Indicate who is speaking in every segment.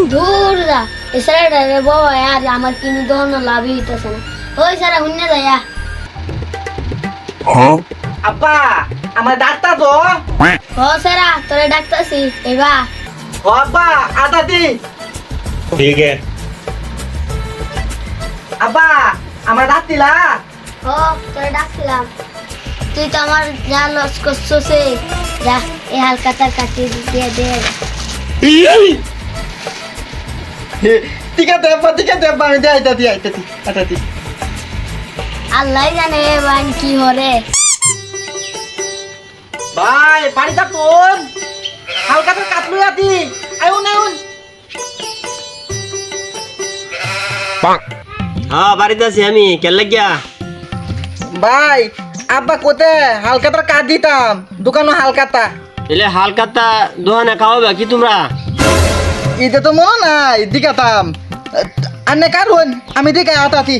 Speaker 1: দূর যা এছাড়া রে বাবা আর আমার কিনে দহন লাভই হইতেছে না ওই সারা হুন্নে যাইয়া
Speaker 2: আব্বা আমার ডাক্তার তো
Speaker 1: ও সারা তোরে ডাকতাছি এবা
Speaker 2: ও আব্বা আদা দি
Speaker 3: ठीक है
Speaker 2: আব্বা আমার দাঁত দিলা
Speaker 1: ও তোরে ডাকছিলাম তুই তো আমার যা লস করছছে যা এই হালকাতার কাটি দিয়ে দে
Speaker 2: ঠিক আছে আব্বা আমি আইতাছি
Speaker 1: আল্লাহ জানে বান কি হরে
Speaker 2: ভাই পানিটা তোর হালকা তো কাটলু আতি আইউন
Speaker 4: হ্যাঁ বাড়িতে আছি আমি কেন লাগিয়া
Speaker 2: ভাই আব্বা কোতে হালকাটা কাট দিতাম দোকানো হালকাটা
Speaker 4: এলে হালকাতা দোহানে খাওয়াবে কি তোমরা
Speaker 2: ইতে তো মনে নাই দিকাতাম আনে কারণ আমি দিকে আতাতি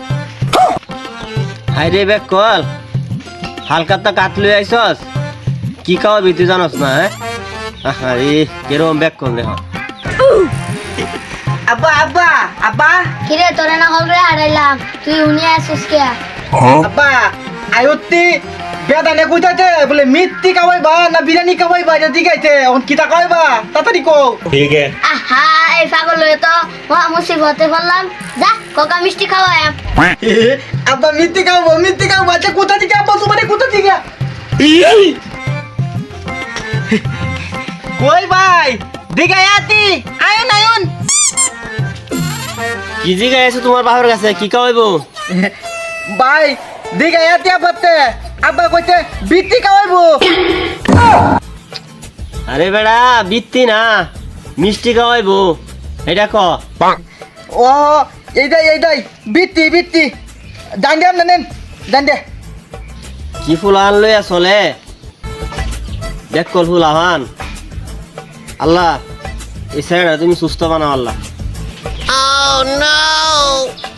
Speaker 4: হাইরে বেক কল হালকাতা কাট লই আইছস কি খাওয়াবি তুই জানস না হ্যাঁ আরে কেরম বেক কল দেখ
Speaker 2: আব্বা
Speaker 1: কিরে তোরে না হল রে হারাইলাম তুই উনি আসছিস কে
Speaker 2: আব্বা আয়ুত্তি বেদানে কইতাতে বলে মিত্তি খাওয়াইবা না বিরিয়ানি খাওয়াইবা এটা দিগাইতে অন কিতা খাওয়াইবা তাড়াতাড়ি কও
Speaker 3: ठीक है
Speaker 1: আহা এই পাগল হয়ে তো মহা মুসিবতে পড়লাম যা কোকা মিষ্টি খাওয়াই
Speaker 2: আব্বা মিত্তি খাওয়াবো আচ্ছা কোথা থেকে আব্বা তোমার কোথা থেকে কই ভাই দিগাই আতি আয়ন
Speaker 4: কি জিগাই আছো তোমার বাবার কাছে কি খাওয়াইবো
Speaker 2: ভাই দিগাই আতি আব্বাতে আব্বা কইতে বিত্তি খাওয়াইবো
Speaker 4: আরে বেড়া বিত্তি না মিষ্টি খাওয়াইবো এটা ক
Speaker 2: ও এইটাই বিত্তি জান দে
Speaker 4: কি ফুল আন লই আসলে দেখ কল ফুল আহান আল্লাহ এই সাইডা তুমি সুস্থ বানাও আল্লাহ